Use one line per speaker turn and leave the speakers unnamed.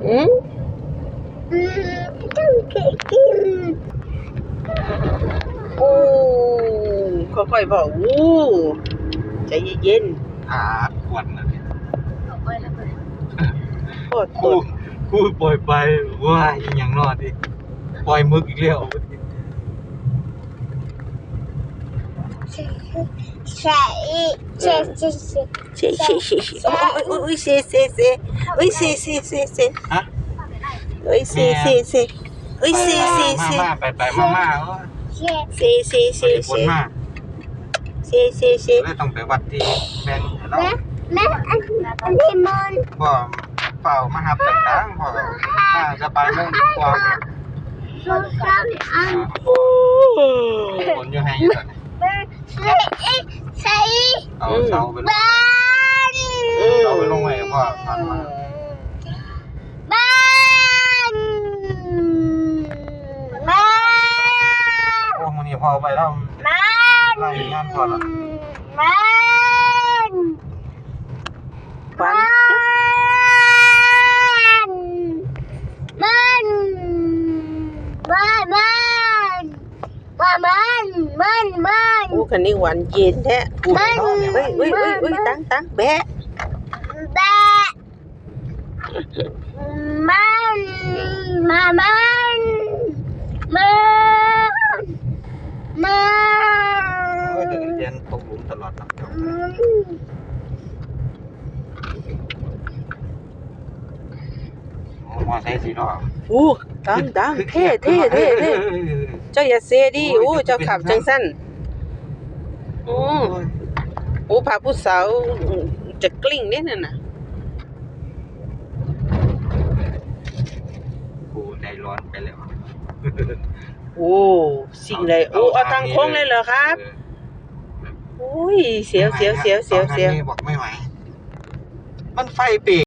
อืม
ต้องกิน
โอ้ค่อยๆบอกใจเย็น
ขวดนะ
ๆโคตรต
กูปล่อยไปว่าอย่างนอดดิปล่อยมึกอีกแล้ว
ใช่ใช่ใช่ใช่
เซโอ้ยเซโอ้ยเซ
ฮะ
โอ้ยเซโอ้ยเซ
มาไปมา
ใช่
ผลมาเลยต้องไปวัดที่แบงค์เรา
แม่อันนี้มัน
พ่อเฝ้ามาหับต่างๆพ่อมาจะไปมุ่งกว่า
สุดสันอัน
ผลอยู่ให้อยู่
ใช่
เอาเสาไปลง
บ้าน
เสาไปลงไว้พ่อผ่านมา
บ้านบ้าน
โอ้มันนี่พ่อไปแล้ว
บ้าน
ไล่งานพ่อละ
บ้านบ้านบ้านบ้านบ้านบ้าน
โอ้คันนี้หวานเย็นแท้เฮ้ยตั้งแบะ
แบะมันมามัน
เรียนตกหลุมตลอดนะมอไซค์สีล้อ
ตั้งเท่เจ้าอย่าเซดิเจ้าขับจังสั้นพาผู้สาวจะกลิ้งเนี่ยน่ะ
กูใจร้อนไปแล้ว
สิ่งใดเอาทางโค้งเลยเหรอครับเสียว
บอกไม่ไหวมันไฟเป